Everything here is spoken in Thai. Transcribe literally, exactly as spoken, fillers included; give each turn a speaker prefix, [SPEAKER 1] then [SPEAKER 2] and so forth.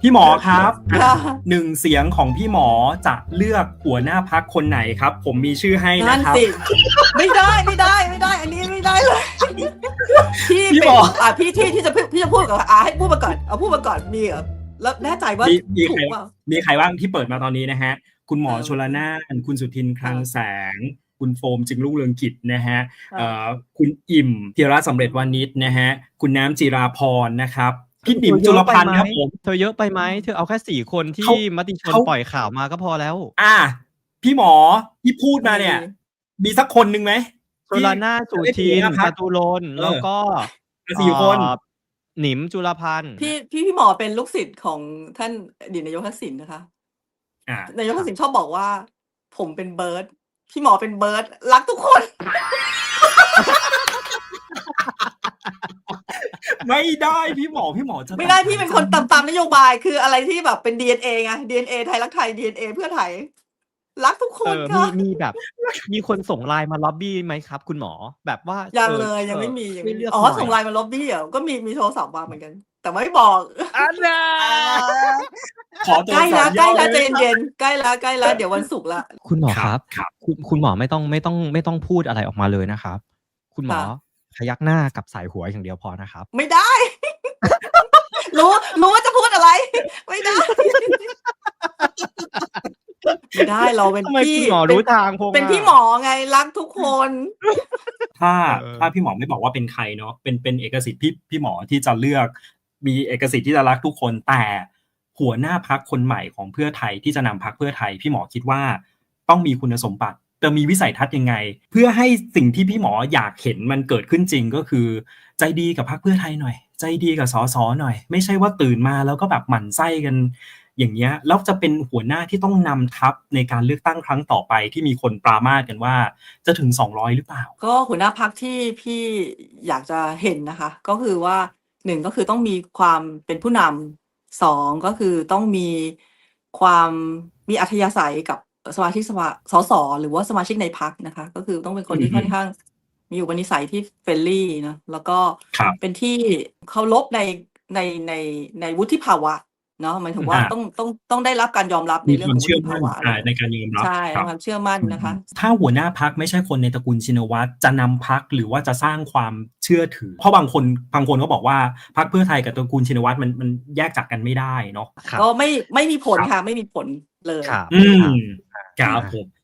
[SPEAKER 1] พี่หมอครับ
[SPEAKER 2] ค่ะ
[SPEAKER 1] หนึ่งเสียงของพี่หมอจะเลือกหัวหน้าพรรคคนไหนครับ ผมมีชื่อให้
[SPEAKER 2] นั่
[SPEAKER 1] นะ
[SPEAKER 2] น
[SPEAKER 1] ครับ
[SPEAKER 2] สิ ไม่ได้ไม่ได้ไม่ได้ อันนี้ไม่ได้เลย พี่
[SPEAKER 1] พี่
[SPEAKER 2] เป็
[SPEAKER 1] หม
[SPEAKER 2] น
[SPEAKER 1] อ
[SPEAKER 2] อ่ะพี่ที่ที่จะพูดพี่จะพูดกับอ่ะให้พูดมาก่อนเอาพูดมาก่อนมีเหรอแล้วแน่ใจว่า
[SPEAKER 1] มีมี
[SPEAKER 2] ถู
[SPEAKER 1] ใคร
[SPEAKER 2] กเปล่า
[SPEAKER 1] มีใครบ้างที่เปิดมาตอนนี้นะฮะ คุณหมอ
[SPEAKER 2] เออ
[SPEAKER 1] ชลนาน คุณสุทินคลัง
[SPEAKER 2] เออ
[SPEAKER 1] แสง คุณโฟมจึงรุ่งเรืองกิจนะฮะ
[SPEAKER 2] ค่ะ
[SPEAKER 1] เอ่อคุณอิ่มธีระสำเร็จวานิชนะฮะ คุณน้ำจิราพรนะครับ พี่หนิมจุลพันธ์ครับผม
[SPEAKER 3] เธอเยอะไปไหมเธอเอาแค่สี่คนที่
[SPEAKER 1] เขา
[SPEAKER 3] มติชน
[SPEAKER 1] เขา
[SPEAKER 3] ปล่อยข่าวมาก็พอแล้ว
[SPEAKER 1] อ่ะพี่หมอที่พูดมาเนี่ย มีสักคนหนึ่งไหม
[SPEAKER 3] ชลนาน สุทิน จตุรนต์
[SPEAKER 1] เออ
[SPEAKER 3] แล้วก็
[SPEAKER 1] สี่คน
[SPEAKER 3] เอ่อหนิมจุลพันธ์
[SPEAKER 2] พี่พี่พี่หมอเป็นลูกศิษย์ของท่านอดีตนายกทักษิณนะคะ
[SPEAKER 1] อ่ะ
[SPEAKER 2] นายกทักษิณชอบบอกว่า ผมเป็นเบิร์ดพี่หมอเป็นเบิร์ดรักทุกคน
[SPEAKER 1] ไม่ได้พี่หมอพี่หมอจะ
[SPEAKER 2] ไม่ได้พี่เป็นคนตามตามนโยบายคืออะไรที่แบบเป็น ดี เอ็น เอ ไง ดี เอ็น เอ ไทยรักไทย ดี เอ็น เอ เพื่อไทย รักทุกค
[SPEAKER 3] เอน อ มี
[SPEAKER 2] ค่ะ
[SPEAKER 3] มีแบบ มีคนส่งไลน์มาล็อบบี้ไหมครับ คุณหมอ แบบว่า
[SPEAKER 2] ยัง
[SPEAKER 3] ออ
[SPEAKER 2] เลยยังไม่มี
[SPEAKER 3] เออ
[SPEAKER 2] ยังไม่
[SPEAKER 3] ช่วย
[SPEAKER 2] มี
[SPEAKER 3] เลือก
[SPEAKER 2] อ๋อ
[SPEAKER 3] หน่อย
[SPEAKER 2] ส่งไลน์มาล็อบบี้เหรอก็มีมีโทรศัพท์มาเหมือนกัน แต่ไม่บอก
[SPEAKER 3] อันน่ะ
[SPEAKER 1] ขอตัว
[SPEAKER 2] ใกล้แล้ว
[SPEAKER 1] สาม
[SPEAKER 2] ใกล้แล้ว
[SPEAKER 1] ย่อ
[SPEAKER 2] ใจ
[SPEAKER 1] เลย
[SPEAKER 2] เย็นๆใกล้แล้วใกล้แล้วเดี๋ยววันศุกร์ละ
[SPEAKER 3] คุณหมอ
[SPEAKER 1] ค
[SPEAKER 3] ค
[SPEAKER 1] รั
[SPEAKER 3] รั
[SPEAKER 1] บบ ครับ
[SPEAKER 3] คุณคุณหมอไม่ต้องไม่ต้องไม่ต้องพูดอะไรออกมาเลยนะครับ คุณหมอ
[SPEAKER 2] ค่ะ
[SPEAKER 3] พยักหน้ากับสายหัวอย่างเดียวพอนะครับ
[SPEAKER 2] ไม่ได้ รู้รู้ว่าจะพูดอะไร ไม่ได้ ไม่ได้เราเป็น
[SPEAKER 3] ทำไม
[SPEAKER 2] พี่
[SPEAKER 3] คุณหมอ
[SPEAKER 2] เป็น
[SPEAKER 3] รู้ทางพง
[SPEAKER 2] เป็น
[SPEAKER 3] อะ
[SPEAKER 2] พี่หมอไงรักทุกคน
[SPEAKER 1] ถ้า
[SPEAKER 3] เออ
[SPEAKER 1] ถ้าพี่หมอไม่บอกว่าเป็นใครเนาะเป็นเป็นเอกสิทธิ์พี่พี่หมอที่จะเลือกมีเอกสิทธิ์ที่จะรักทุกคนแต่หัวหน้าพรรคคนใหม่ของเพื่อไทยที่จะนำพรรคเพื่อไทยพี่หมอคิดว่าต้องมีคุณสมบัติจะมีวิสัยทัศน์ยังไง เพื่อให้สิ่งที่พี่หมออยากเห็นมันเกิดขึ้นจริงก็คือใจดีกับพรรคเพื่อไทยหน่อยใจดีกับสสหน่อยไม่ใช่ว่าตื่นมาแล้วก็แบบหมั่นไส้กันอย่างเงี้ยแล้วจะเป็นหัวหน้าที่ต้องนำทัพในการเลือกตั้งครั้งต่อไปที่มีคนปรามาสกันว่าจะถึงสองร้อยหรือเปล่า
[SPEAKER 2] ก็หัวหน้าพรรคที่พี่อยากจะเห็นนะคะ ก็คือว่าหนึ่งก็คือต้องมีความเป็นผู้นำสองก็คือต้องมีความมีอัธยาศัยกับสมาชิกสภาสสหรือว่าสมาชิกในพรรคนะคะ ก็คือต้องเป็นคนที่
[SPEAKER 1] อือฮึ
[SPEAKER 2] ค่อนข้างมีอุปนิสัยที่เฟรนลี่นะแล้วก็
[SPEAKER 1] ครับ
[SPEAKER 2] เป็นที่เคารพในในในในวุฒิภาวะเนาะหมายถึงว่า
[SPEAKER 1] อ่า
[SPEAKER 2] ต้องต้องต้องได้รับการยอมรับใน
[SPEAKER 1] มี
[SPEAKER 2] เรื่อ
[SPEAKER 1] ค
[SPEAKER 2] ง
[SPEAKER 1] วาม
[SPEAKER 2] ของวุ
[SPEAKER 1] เชื่อ
[SPEAKER 2] ฒิ
[SPEAKER 1] มั่
[SPEAKER 2] ภาน วะ
[SPEAKER 1] อ่าในการยอมรับ
[SPEAKER 2] ใช่
[SPEAKER 1] ครับ
[SPEAKER 2] ความเชื่อมั่นนะคะ
[SPEAKER 1] ถ้าหัวหน้าพรรคไม่ใช่คนในตระกูลชินวัตรจะนำพรรคหรือว่าจะสร้างความเชื่อถือ เพราะบางคนบางคนก็บอกว่าพรรคเพื่อไทยกับตระกูลชินวัตรมันมันแยกจากกันไม่ได้เนาะ
[SPEAKER 3] ครับ
[SPEAKER 2] ก็ไม่ไม่มีผลค่ะ ไม่มีผลเลย
[SPEAKER 3] ครับ
[SPEAKER 1] อืม
[SPEAKER 3] ครับ
[SPEAKER 1] ครับผม